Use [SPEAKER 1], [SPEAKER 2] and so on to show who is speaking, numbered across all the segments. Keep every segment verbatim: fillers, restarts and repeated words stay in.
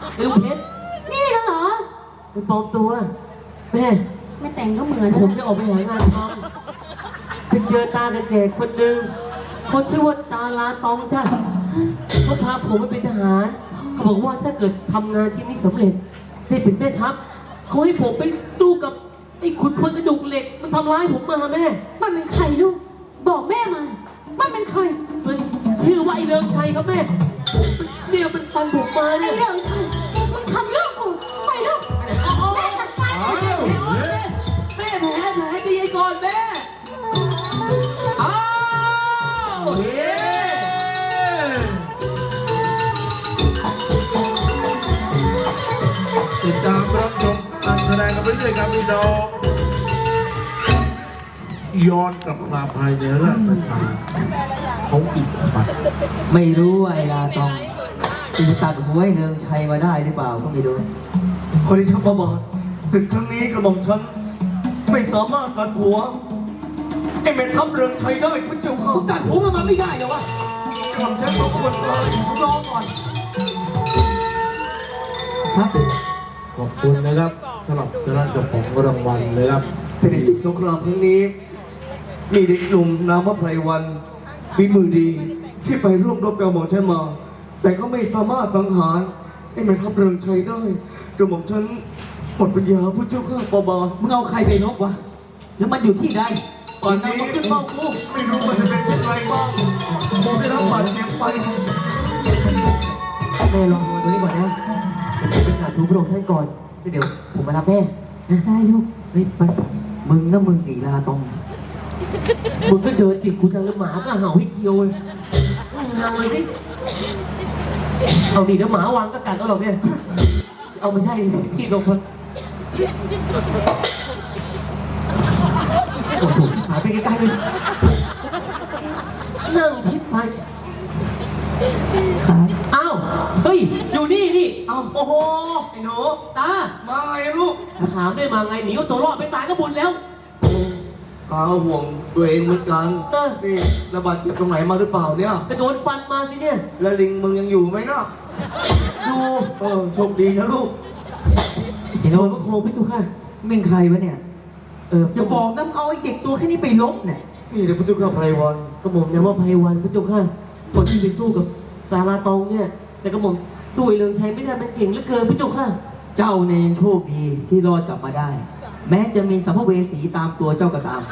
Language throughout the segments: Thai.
[SPEAKER 1] ไอ้ลูกเพชร
[SPEAKER 2] นี่เหรอ
[SPEAKER 1] เป็นปลอมตัวแม่
[SPEAKER 2] ไม่แต่งก็เหมือน
[SPEAKER 1] ผมจะออกไปหางานทำไปเจอตาแก่ๆคนหนึ่งเขาชื่อว่าตาลาตองจ้ะเขาพาผมไปเป็นทหารเขาบอกว่าถ้าเกิดทำงานที่นี่สำเร็จได้เป็นแม่ทัพเขาให้ผมไปสู้กับไอ้ขุนพลกระดูกเหล็กมันทำร้ายผมมาแม่
[SPEAKER 2] มันเป็นใครลูก บอกแม่มา มันเป็นใคร
[SPEAKER 1] มันชื่อว่าไอ้เริงชัยครับแม่เนี่ยมันฟันผมมา
[SPEAKER 2] ไอ้
[SPEAKER 1] เนี่ย
[SPEAKER 2] เรื่องชัยมึงทำลูกกูไปลูกแม่จัดการมัน
[SPEAKER 1] แม่แผลแผลตีไอ้ก่อนแม่อ้าวเฮ้
[SPEAKER 3] ติดตามรับชมการแสดงกันไปเรื่อยครับพี่น้องย้อนกลับมาภายในราชทานเขาอิดปัด
[SPEAKER 4] ไม่รู้ว่าไอ้ลาตองจะตัดหัวไอ้เนืองชัยมาได้หรือเปล่าก็ไม่รู้
[SPEAKER 5] คนที่ชักมาบอกศึกครั้งนี้กระหม่อมฉันไม่สามารถตัดหัวไอ้แม่ทัพเรืองชัยได้พระเจ้าค่ะ
[SPEAKER 4] ตัดหัวมันมาไม่ได้เหรอวะ
[SPEAKER 5] กระหม่อมฉันขอควรเลย
[SPEAKER 4] รอก่อนครับ
[SPEAKER 3] ขอบคุณนะครับสำหรับเจ้าหน้าที่ของรางวัลเลยครับ
[SPEAKER 5] แต่ในศึกสงครามครั้งนี้ มีเด็กหนุ่มนามว่าไพรวันฝีมือดีที่ไปร่วมรบกับกระหม่อมฉันมา แต่ก็ไม่สามารถสังหารไอ้แม่ทัพเรืองชัยได้กระหม่อมฉันหมดปัญญาพระเจ้าค่ะปอบา
[SPEAKER 4] มึงเอาใครไปนกวะแล้วมันอยู่ที่ใด
[SPEAKER 5] ตอนนี้
[SPEAKER 4] มันขึ้นเป้ากู
[SPEAKER 5] ไม่รู้มันจะเป็นเช่นไรบ้างผมได้รับบาดเจ็บไป
[SPEAKER 1] แม่ลองดูตัวนี้ก่อนนะผมไปหาทูพระองค์ท่านก่อนเดี๋ยวผมมารับแม่นะ
[SPEAKER 2] ได้ลูก
[SPEAKER 1] เฮ้ยไป
[SPEAKER 4] มึงนะมึงไอ้ลาตอง
[SPEAKER 1] มึงก็เดินติดกูจังเลยหมาก็เห่าให้เกียวเลยมึงเห่าเลยสิเอาดิเดี๋ยวหมาวางก็กัดเอาหรอกเนี่ยเอาไม่ใช่ที่ลงคนโอ้โหหาไปใกล้ๆเลยนั่งคิดไป
[SPEAKER 4] ครับ
[SPEAKER 1] อ้าวเฮ้ยอยู่นี่นี่อ้าวโอ้โห
[SPEAKER 5] ไอ้หนู
[SPEAKER 1] ตา
[SPEAKER 5] มาไงลูก
[SPEAKER 1] ถามได้มาไงหนีเอาตัวรอดไปตายก็บุญแล้ว
[SPEAKER 5] ตาห่วงตัวเองเหมือนกัน
[SPEAKER 1] เออ
[SPEAKER 5] นี่ระบาดเจ็บตรงไหนมาหรือเปล่าเนี่ย
[SPEAKER 1] ไปโดนฟันมาสิเนี่ย
[SPEAKER 5] แล้วลิงมึงยังอยู่ไหมเนาะ
[SPEAKER 1] ดู
[SPEAKER 5] เออโชคดีนะลูก
[SPEAKER 1] เห็นโดนพระโครงพี่จุค่ะ
[SPEAKER 4] มึงใครวะเนี่ย
[SPEAKER 1] เออ
[SPEAKER 4] จะบอกนะเอาไอ้เด็กตัวแค่นี้ไปลบเนี่ย
[SPEAKER 5] นี่เดี๋ยวพระเจ้าข้าไพรวัน
[SPEAKER 1] กระหม่อมนะว่าไพวันพี่จุค่ะคนที่ไปสู้กับสาราตองเนี่ย แต่กระหม่อมสู้ไอ้เรืองชัยไม่ได้มันเก่งเหลือเกินพี่จุค่ะ
[SPEAKER 4] เจ้าเนี่ยยังโชคดีที่รอดกลับมาได้ แม้จะมีสัมภเวสีตามตัวเจ้าก็ตาม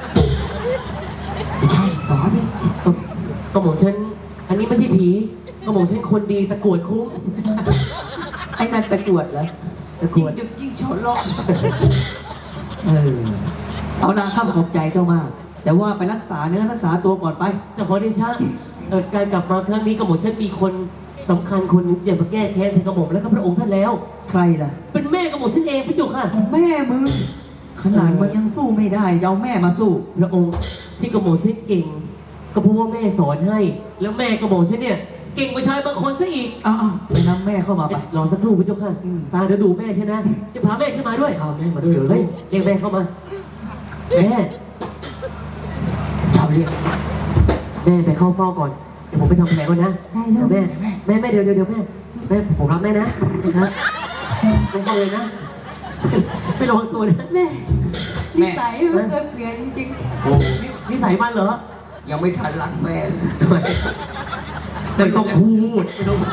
[SPEAKER 4] ไม่ใช่หรอเนี่ย
[SPEAKER 1] กระหม่อมฉันอันนี้ไม่ใช่ผีกระหม่อมฉันคนดีตะกรวดคุ้ม
[SPEAKER 4] ไอ้นั่นตะกรวดแล้วตะกรวด
[SPEAKER 5] ยิ่งยิ่งชนลอก
[SPEAKER 4] เออเอาละข้าขอบใจเจ้ามาก แต่ว่าไปรักษาเนื้อรักษาตัวก่อนไป
[SPEAKER 1] แต่ขอเดชะเอ่อการกลับมาครั้งนี้กระหม่อมฉันมีคนสำคัญคนหนึงที่จะมาแก้แค้นแทนกระหม่อมและก็พระองค์ท่านแล้ว
[SPEAKER 4] ใครล่ะ
[SPEAKER 1] เป็นแม่กระหม่อมฉันเองพี่จุค่ะ
[SPEAKER 4] แม่มึง ขนาดมึงยังสู้ไม่ได้จะเอาแม่มาสู้
[SPEAKER 1] พระองค์ที่กระหม่อมฉันเก่ง ก็เพราะว่าแม่สอนให้ แล้วแม่กระหม่อมฉันเนี่ยเก่งกว่าชายบางคนซะอีก
[SPEAKER 4] เอาเอาไปนำแม่เข้ามาไป
[SPEAKER 1] รอสักครู่พี่เจ้าค่ะ
[SPEAKER 4] อืม
[SPEAKER 1] ตาเดี๋ยวดูแม่ใช่นะจะพาแม่ขึ้นมาด้วย
[SPEAKER 5] พาแม่มาด้วยเหรอ
[SPEAKER 1] เฮ้ยเรียกแม่เข้ามาแม่
[SPEAKER 4] เจ้าเรียก
[SPEAKER 1] แม่ไปเข้าเฝ้าก่อนเดี๋ยวผมไปทำแผลก่อนนะ
[SPEAKER 2] ได้ลู
[SPEAKER 1] เดี๋ย
[SPEAKER 2] ก
[SPEAKER 1] วแม่แม่แม่เดี๋ยวเดี๋ยวเดี๋ยวแม่แม่ผมรับแม่นะนะครับไม่เข้าเลยนะ ไม่ระวังตัวนะ
[SPEAKER 2] แม่นิสัยมันเคยเปลี่ยนจริง
[SPEAKER 5] โอ้
[SPEAKER 1] นิสัยมันเหรอ
[SPEAKER 5] ยังไม่ทันรักแม่เลย
[SPEAKER 1] ทำไม
[SPEAKER 4] ไม่ต้องพูด
[SPEAKER 1] ไม่ต้อง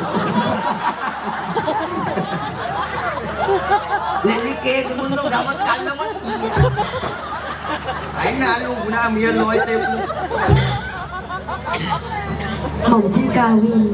[SPEAKER 5] เล่นลิเกกับมึงต้องทำประกันแล้วมั้งไอ้หน้าลูกหน้าเมียลอยเต็ม
[SPEAKER 2] ๆผมชื่อกาวิน